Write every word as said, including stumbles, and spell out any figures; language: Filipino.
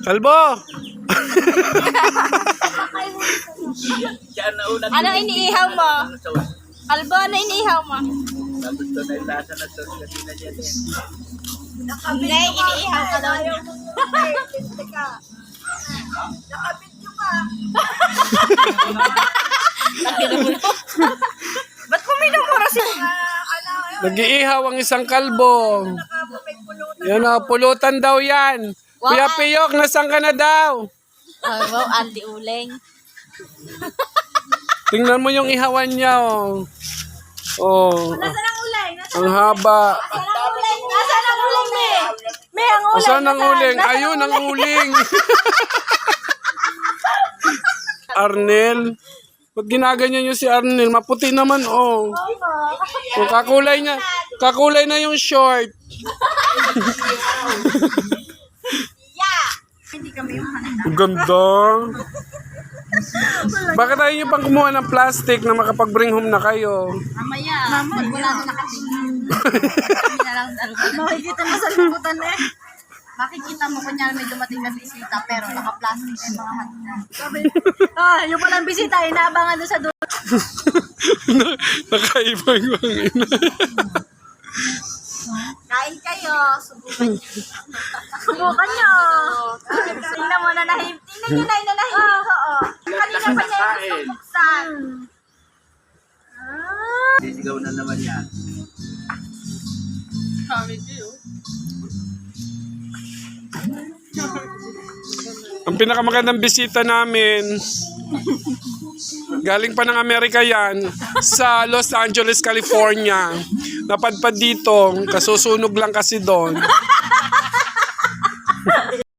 Kalbo! Ano iniihaw mo? Kalbo, ano iniihaw mo? Hindi, iniihaw ka daw niya. Ba't kuminumura si... Nag-iihaw ang isang kalbo. Yan o, pulutan daw yan. Kuya Piyok, nasan ka na daw? Oh, wow, Andy Uling. Tingnan mo yung ihawan niya oh. Oh, Nasaan ang uling? Nasaan ang haba. ang uling? Nasaan ang uling, me? Me, ang uling. Nasaan ang uling? Ayun ang uling. Arnel. Ba't ginaganyan niyo si Arnel? Maputi naman oh. Oh, kakulay na. Kakulay na yung short. Hindi kami yung handa. Ang ganda. Bakit tayo niyo pang kumuha ng plastic na makapag-bring home na kayo? Mamaya. Mamaya. Wala na nakatingin. Kami na lang dalugan. Makikita mo sa liputan eh. Makikita mo kunyari may dumating na bisita pero naka-plastic na yung mga handa. Ah, yung palang bisita, inaabangan doon sa dulo. Nakaiba yung ina. Kain kayo, subukan nyo. Subukan nyo. Tingnan mo na nahim. Tingnan nyo na inanahim. Oo, oo. Kanina pa niya yung buksan. Sisigaw na naman yan. Ang pinakamagandang bisita namin, galing pa ng Amerika yan, sa Los Angeles, California. Napadpad dito, kasusunog lang kasi doon.